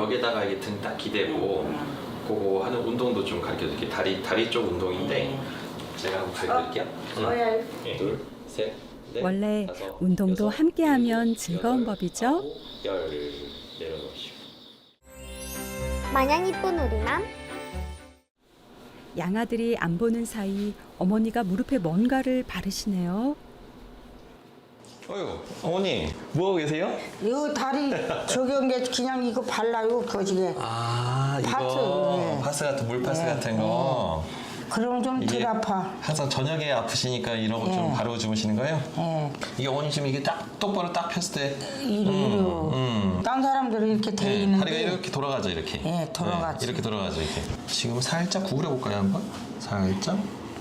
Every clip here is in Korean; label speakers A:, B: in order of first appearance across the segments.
A: 벽에다가 이게 등 딱 기대고 그거 하는 운동도 좀 가르쳐드릴게요. 다리 쪽 운동인데 제가 한번 가르쳐드릴게요. 둘, 셋, 넷,
B: 원래
A: 다섯,
B: 운동도
A: 여섯,
B: 함께하면
A: 일곱,
B: 즐거운
A: 여덟,
B: 법이죠.
A: 아홉, 열 내려놓으시고.
C: 마냥 이쁜 우리맘.
B: 양아들이 안 보는 사이 어머니가 무릎에 뭔가를 바르시네요.
A: 어휴, 어머니 뭐하고 계세요?
D: 이거 다리 저기 온 게 그냥 이거 발라요 거지게.
A: 아,
D: 파스,
A: 이거
D: 예.
A: 파스 같은 물파스
D: 예,
A: 같은 거.
D: 그러면 좀 덜 아파.
A: 항상 저녁에 아프시니까 이런 거 좀
D: 예.
A: 바르고 주무시는 거예요?
D: 예.
A: 이게 어머니 지금 이게 딱 똑바로 딱 폈을 때
D: 이리로. 딴 사람들은 이렇게 돼
A: 네,
D: 있는데.
A: 다리가 이렇게 돌아가죠, 이렇게.
D: 예, 돌아가죠.
A: 네, 이렇게 돌아가죠, 이렇게. 지금 살짝 구부려 볼까요, 한번? 살짝.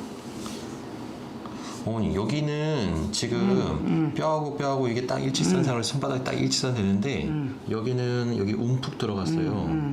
A: 어머니, 여기는 지금 뼈하고 이게 딱 일치선상으로 손바닥이 딱 일치선 되는데 여기는 여기 움푹 들어갔어요.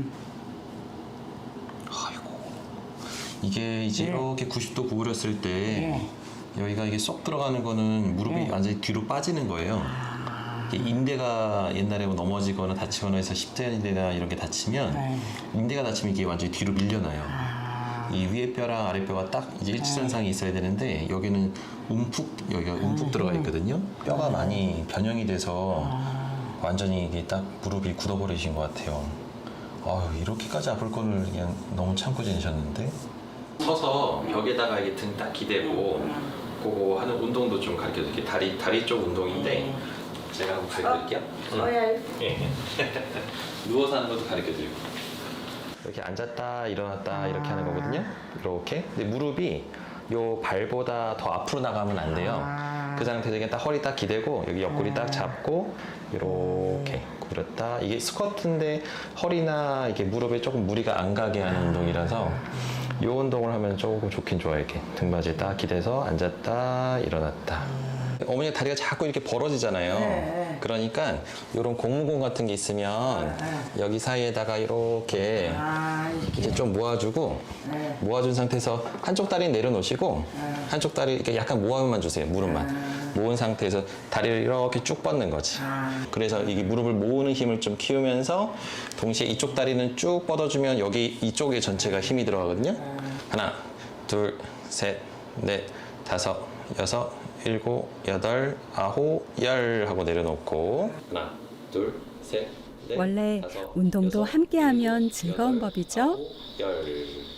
A: 아이고. 이게 이제 이렇게 90도 구부렸을 때 여기가 이게 쏙 들어가는 거는 무릎이 완전히 뒤로 빠지는 거예요. 이게 인대가 옛날에 뭐 넘어지거나 다치거나 해서 십자인대나 이런 게 다치면 인대가 다치면 이게 완전히 뒤로 밀려나요. 이 위에 뼈랑 아래 뼈가 딱 이제 일치선상이 있어야 되는데 여기는 여기가 움푹 들어가 있거든요. 뼈가 많이 변형이 돼서 완전히 이게 딱 무릎이 굳어버리신 것 같아요. 아유, 이렇게까지 아플 거를 그냥 너무 참고 지내셨는데. 서서 벽에다가 이게 등 딱 기대고 그거 하는 운동도 좀 가르쳐드릴게요. 다리 쪽 운동인데 제가 한번 가르쳐드릴게요. 예. 누워서 하는 것도 가르쳐드리고. 이렇게 앉았다 일어났다 이렇게 하는 거거든요. 이렇게. 근데 무릎이 요 발보다 더 앞으로 나가면 안 돼요. 그 상태에서 그냥 딱 허리 딱 기대고 여기 옆구리 딱 잡고 이렇게 구부렸다. 이게 스쿼트인데 허리나 이게 무릎에 조금 무리가 안 가게 하는 운동이라서 이 운동을 하면 조금 좋긴 좋아요. 이렇게 등받이에 딱 기대서 앉았다 일어났다. 어머니 다리가 자꾸 이렇게 벌어지잖아요. 그러니까 이런 고무공 같은 게 있으면 여기 사이에다가 이렇게 이제 좀 모아주고 모아준 상태에서 한쪽 다리 내려놓으시고 한쪽 다리 이렇게 약간 모아만 주세요. 무릎만 모은 상태에서 다리를 이렇게 쭉 뻗는 거지. 그래서 이게 무릎을 모으는 힘을 좀 키우면서 동시에 이쪽 다리는 쭉 뻗어주면 여기 이쪽에 전체가 힘이 들어가거든요. 하나, 둘, 셋, 넷, 다섯, 여섯, 일곱, 여덟, 아홉, 열 하고 내려놓고 하나, 둘, 셋, 넷,
B: 원래
A: 다섯,
B: 운동도
A: 여섯,
B: 함께하면
A: 일곱,
B: 즐거운
A: 여덟,
B: 법이죠.
A: 아홉, 열